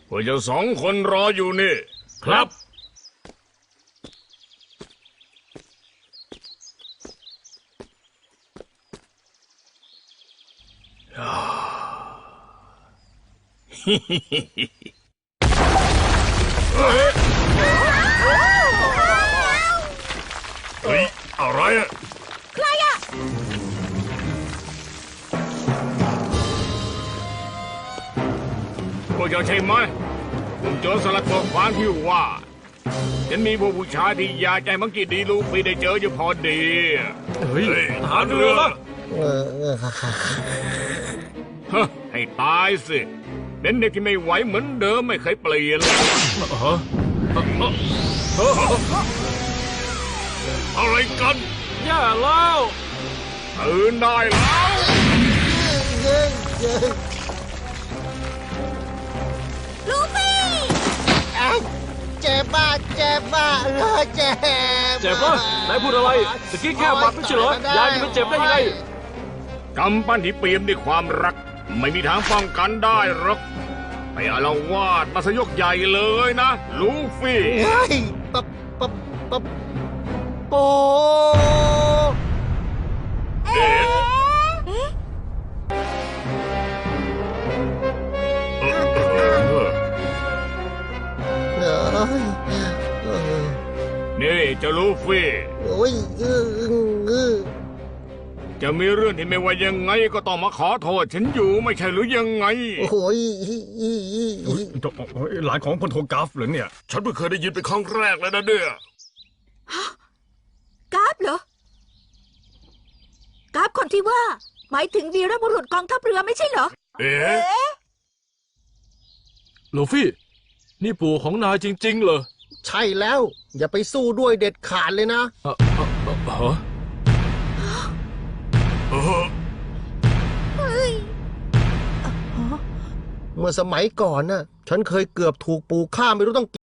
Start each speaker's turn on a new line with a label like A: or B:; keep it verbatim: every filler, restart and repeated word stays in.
A: พวกเจ้าสองคนรออยู่นี่
B: ครับ
A: เฮ้ยอะไรอะ
C: ใครอะ
A: พวกเจ้าใช่ไหมผมโจรสลัดตัวขวางที่ว่าฉันมีพวกผู้ชายที่อยากใจมังกี้ดีลูกพี่ได้เจออยู่พอดี
B: เฮ้ยทหารเรือละ
A: ฮะให้ตายสิเป็นเด็กที่ไม่ไหวเหมือนเดิมไม่เคยเปลี่ยนเลยอะไรกัน
B: ย่าแล้ว
A: ตื่นได้แล้ว
C: ลูฟี่
D: เจ็บมากเจ็บมากเลยเจ็บ
B: เจ็บปะนายพูดอะไรตะกี้แค่บาดไม่ใช่เหรอยายจะไม่เจ็บได้ยังไง
A: กำปั้นที่เปี่ยมด้วยความรักไม่มีทางป้องกันได้หรอกไปอาละวาดมาสยกใหญ่เลยนะลูฟี่
D: เฮ้ยปั๊บปั๊บปั๊บโอ้
A: เด็ดนี่เจ้าลูฟี่
D: โอ้ยเออเออ
A: จะมีเรื่องที่ไม่ว่ายังไงก็ต้องมาขอโทษฉันอยู่ไม่ใช่หรือยังไง
D: โอ้ย
B: หลานของพลโทกราฟเหรอเนี่ย
A: ฉันเพิ่งเคยได้ยินเป็นครั้งแรกเลยนะเนี่ย
C: กราฟเหรอกราฟคนที่ว่าหมายถึงวีรบุรุษกองทัพเรือไม่ใช่เหรอ
A: เอ๊ะ
B: ลูฟี่นี่ปู่ของนายจริงๆเหรอ
D: ใช่แล้วอย่าไปสู้ด้วยเด็ดขาดเลยนะ
B: เออเออเออ
A: เออ
D: เมื่อสมัยก่อนน่ะฉันเคยเกือบถูกปู่ฆ่าไม่รู้ต้อง